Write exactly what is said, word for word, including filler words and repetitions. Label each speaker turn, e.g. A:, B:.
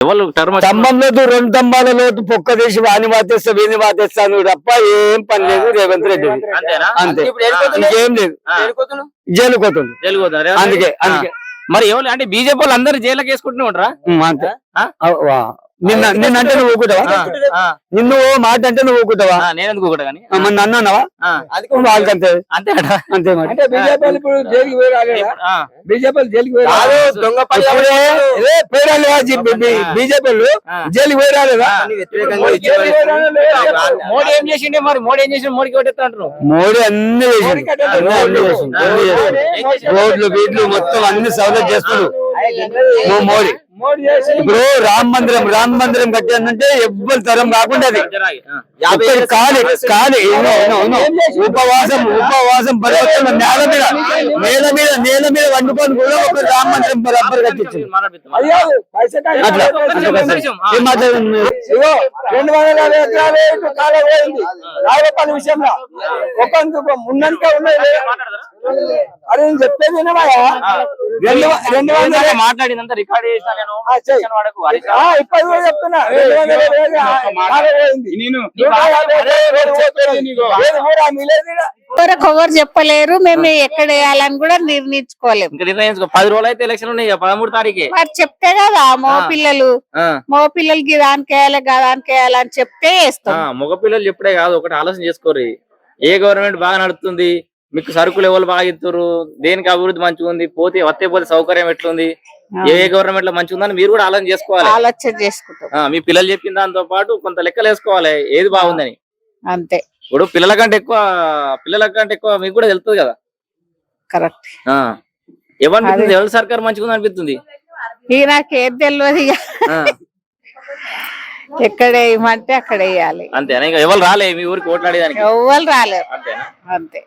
A: ఎవరు టర్మ్
B: స్తంభం లోతు రెండు స్తంభాల లోతు పొక్క తీసి వాని వాతేస్తా వీని వాతేస్తాను తప్ప ఏం పని లేదు రేవంత్ రెడ్డి. అంతే, ఇంకేం లేదు. జైలు పోతుంది
A: జైలు పోతున్నారు.
B: అందుకే అందుకే
A: మరి ఎవరు అంటే బీజేపీ వాళ్ళు అందరు జైలుకి వేసుకుంటూనే ఉంటారా?
B: అంతే. నిన్న నిన్న అంటే నువ్వు ఊకుంటావా? నిన్ను ఓ మాట అంటే నువ్వు ఊకుంటావా?
A: నేను ఎందుకు కూడా కానీ
B: మరి నన్ను అన్నావా? వాళ్ళకంతే
A: అంతే
B: అంతే. మరి
C: అంటే బీజేపీ ఇప్పుడు జైలుకి పోయి రాలేదా? బీజేపీ జైలుకి పోయి బీజేపీ జైలుకి పోయి రాలేదా?
A: మోడీ ఏం చేసిండే మరి? మోడీ ఏం చేసిండు? మోడీకి ఓటేస్తా అంటున్నావు?
B: మోడీ అన్ని రోడ్లు బీడ్లు మొత్తం అన్ని సౌలభ్యం చేస్తున్నాడు మోడీ. ఇప్పుడు రామ మందిరం రామ మందిరం కట్టానంటే ఎవ్వరు తరం కాకుండా అది ఖాళీ ఖాళీ ఉపవాసం ఉపవాసం పరివర్తన నేల మీద నేల మీద నేల మీద వండుకొని కూడా ఒక రామ మందిరం బరాబర్ కట్టించింది. అట్లా ఏం మాట్లాడుతుంది?
C: రెండు వందల యాభై ఎకరాలు కాలం పోయింది రాజపల్లి విషయంలో. ఒక ఉన్నంత ఉన్నది అరే నేను చెప్పేది వినవాయా? రెండు రెండు వందల
A: మాట్లాడినంత రికార్డ్ చేసిన నేను
C: ఇప్పటి కూడా చెప్తున్నా రెండు వందల
D: ఎవరు చెప్పలేరు. మేము ఎక్కడ వేయాలని కూడా నిర్ణయించుకోలేము.
A: నిర్ణయించుకో. పది రోజులు అయితే ఎలక్షన్ ఉన్నాయి, పదమూడు తారీఖే.
D: మరి చెప్తే కదా మగ పిల్లలు మగ పిల్లలకి దానికి వేయాలి దానికి వేయాలని చెప్తే వేస్తాం.
A: మగ పిల్లలు చెప్పుడే కాదు, ఒకటి ఆలోచన చేసుకోరు. ఏ గవర్నమెంట్ బాగా నడుస్తుంది, మీకు సరుకులు ఎవరు బాగా ఇస్తారు, దేనికి అభివృద్ధి మంచిగా ఉంది, పోతే వస్తే పోతే సౌకర్యం ఎట్లుంది, ఏ గవర్నమెంట్ లో మంచిగా ఉందని మీరు కూడా ఆలోచన చేసుకోవాలి.
D: ఆలోచన చేసుకుంటాం.
A: మీ పిల్లలు చెప్పిన దాంతో పాటు కొంత లెక్కలు వేసుకోవాలి ఏది బాగుందని.
D: అంతే.
A: ఇప్పుడు పిల్లల కంటే ఎక్కువ పిల్లల కంటే ఎక్కువ మీకు కూడా తెలుస్తుంది కదా.
D: కరెక్ట్.
A: ఏమనిపిస్తుంది? ఎవరి సర్కార్ మంచిగా ఉంది అనిపిస్తుంది?
D: ఇక నాకేం తెలియదు. ఇక ఎక్కడ వేయమంటే అక్కడ వేయాలి.
A: అంతేనా? ఇంకా ఎవరు రాలే మీ ఊరికి ఓట్లాడేదానికి?
D: ఎవరు రాలేరు. అంతే.